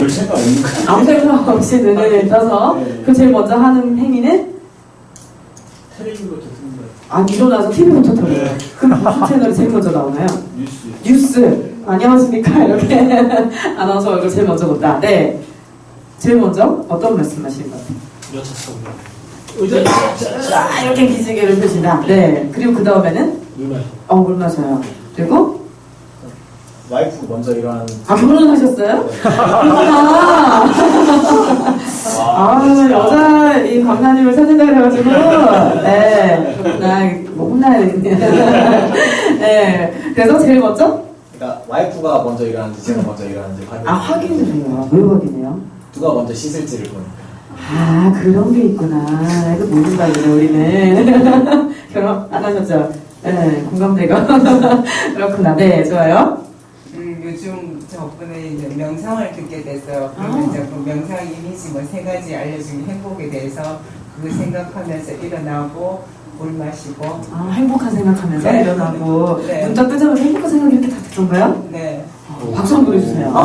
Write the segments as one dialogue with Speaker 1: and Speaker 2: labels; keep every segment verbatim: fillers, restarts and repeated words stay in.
Speaker 1: 별 생각 없는 거야.
Speaker 2: 아무 생각 없이 눈을 떠서
Speaker 1: 네.
Speaker 2: 그 제일 먼저 하는 행위는
Speaker 1: 텔레비부터 듣는 거야.
Speaker 2: 아 일어나서 티비부터 틀어요.
Speaker 1: 네.
Speaker 2: 그럼 무슨 채널이 제일 먼저 나오나요?
Speaker 1: 뉴스.
Speaker 2: 뉴스. 안녕하십니까 이렇게 아나운서 얼굴 제일 먼저 본다. 네. 제일 먼저 어떤 말씀하시는 것 같아요?
Speaker 1: 여차 타고. 의자.
Speaker 2: 자 이렇게 기지개를 펴신다. 네. 그리고 그 다음에는
Speaker 1: 물 마셔.
Speaker 2: 어 물 마셔요. 그리고
Speaker 1: 와이프 먼저 일어나는.
Speaker 2: 아 결혼하셨어요? 그렇구나. 아 여자 이 강사님을 찾는다 그래가지고 네 그렇구나. 뭐 혼나야 되겠네요. 네. 그래서 제일 먼저
Speaker 3: 그러니까 와이프가 먼저 일어나는지 제가 먼저 일어나는지 확인.
Speaker 2: 아 확인을 해요. 왜 확인해요?
Speaker 3: 누가 먼저 씻을지를 보니까.
Speaker 2: 아 그런 게 있구나. 이거 모른다 그래 우리는. 결혼 안 하셨죠? 네 공감대가. 그렇구나. 네 좋아요.
Speaker 4: 음, 요즘 저번에 이제 명상을 듣게 됐어요.
Speaker 2: 아.
Speaker 4: 그래서 이제 그 명상 이미지 뭐 세 가지 알려준 행복에 대해서 그거 생각하면서 일어나고 물 마시고.
Speaker 2: 아 행복한 생각하면서
Speaker 4: 네.
Speaker 2: 일어나고
Speaker 4: 네.
Speaker 2: 눈 딱 뜨자마자 행복한 생각이 이렇게 다 들던가요?
Speaker 4: 네.
Speaker 2: 어, 박수 한번 보내주세요. 아,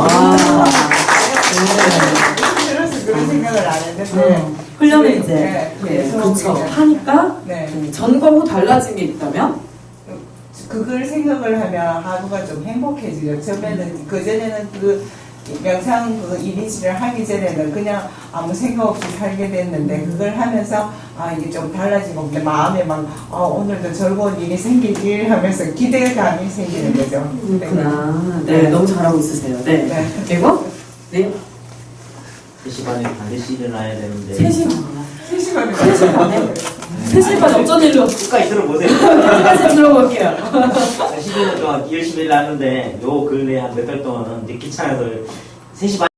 Speaker 2: 네.
Speaker 4: 들어서 그런 생각을 안 했는데.
Speaker 2: 어, 훈련을 이제
Speaker 4: 네,
Speaker 2: 네,
Speaker 4: 계속
Speaker 2: 그렇죠.
Speaker 4: 이제.
Speaker 2: 하니까
Speaker 4: 네.
Speaker 2: 음, 전과 후 달라진 게 있다면?
Speaker 4: 그걸 생각을 하면 하루가 좀 행복해지죠. 처음에는, 그전에는 그 명상 그 이미지를 하기 전에는 그냥 아무 생각 없이 살게 됐는데, 그걸 하면서 아, 이게 좀 달라지고, 내 마음에 막, 아, 오늘도 즐거운 일이 생기길 하면서 기대감이 생기는 거죠.
Speaker 2: 그렇구나. 네,
Speaker 4: 네.
Speaker 2: 너무 잘하고 있으세요. 네.
Speaker 4: 네.
Speaker 2: 그리고, 네.
Speaker 5: 세 시 반에 반드시 일어나야 되는데
Speaker 2: 세 시간.
Speaker 4: 세 시간이
Speaker 2: 세 시 반에? 세 시 반에 어쩐 일로?
Speaker 5: 끝까지 들어보세요.
Speaker 2: 끝까지 들어볼게요.
Speaker 5: 십 년 동안 열심히 일하는데 요 근래 한 몇 달 동안은 이제 귀찮아서 세 시 반